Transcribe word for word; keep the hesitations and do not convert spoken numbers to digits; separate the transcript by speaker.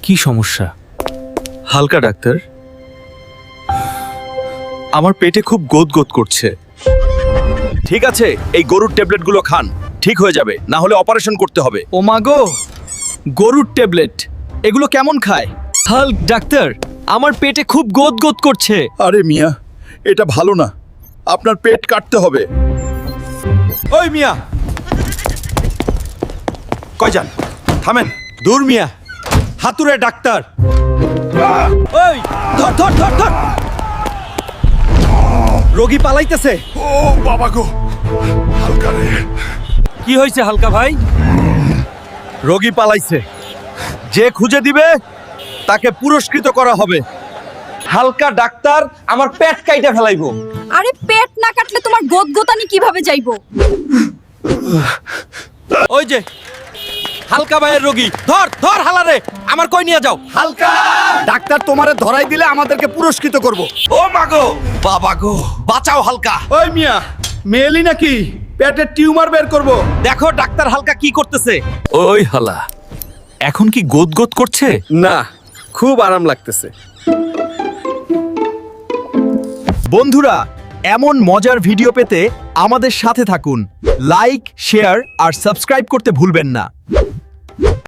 Speaker 1: কি সমস্যা?
Speaker 2: হালকা ডাক্তার, আমার পেটে খুব গোদ গোদ করছে। ঠিক আছে, এই গরুর ট্যাবলেটগুলো খান, ঠিক হয়ে যাবে, না হলে অপারেশন করতে হবে।
Speaker 1: ও মা গো, গরুর ট্যাবলেট এগুলো কেমন খায়? হাল্ক ডাক্তার, আমার পেটে খুব গোদ গোদ করছে।
Speaker 3: আরে মিয়া, এটা ভালো না, আপনার পেট কাটতে হবে।
Speaker 2: ওই মিয়া, কই যান? থামেন, দূর মিয়া, হাতুড়ে ডাক্তার। ওই ধর ধর ধর ধর, রোগী পালাইতেছে।
Speaker 3: ও বাবা গো, হালকা রে।
Speaker 1: কি হয়েছে হালকা ভাই?
Speaker 2: রোগী পালাইছে, যে খুঁজে দিবে তাকে পুরস্কৃত করা হবে। হালকা ডাক্তার আমার পেট কাইটা ফেলাইবো।
Speaker 4: আরে পেট না কাটলে তোমার গোদগোতানি কিভাবে যাইবো?
Speaker 2: ওই যে হালকা ভাইয়ের রোগী, ধর ধর হালারে, আমার কই নিয়ে যাও।
Speaker 3: হালকা ডাক্তার তোমারে ধরাই দিলে আমাদেরকে পুরস্কৃত করব।
Speaker 2: ও মাগো, বাবা গো, বাঁচাও হালকা।
Speaker 3: ওই মিয়া, মেয়েলি নাকি? পেটের টিউমার বের করব।
Speaker 2: দেখো ডাক্তার হালকা কি করতেছে। ওই হালা, এখন কি গোদ গোদ করছে?
Speaker 1: না, খুব আরাম লাগতেছে।
Speaker 2: বন্ধুরা, এমন মজার ভিডিও পেতে আমাদের সাথে থাকুন। লাইক, শেয়ার আর সাবস্ক্রাইব করতে ভুলবেন না।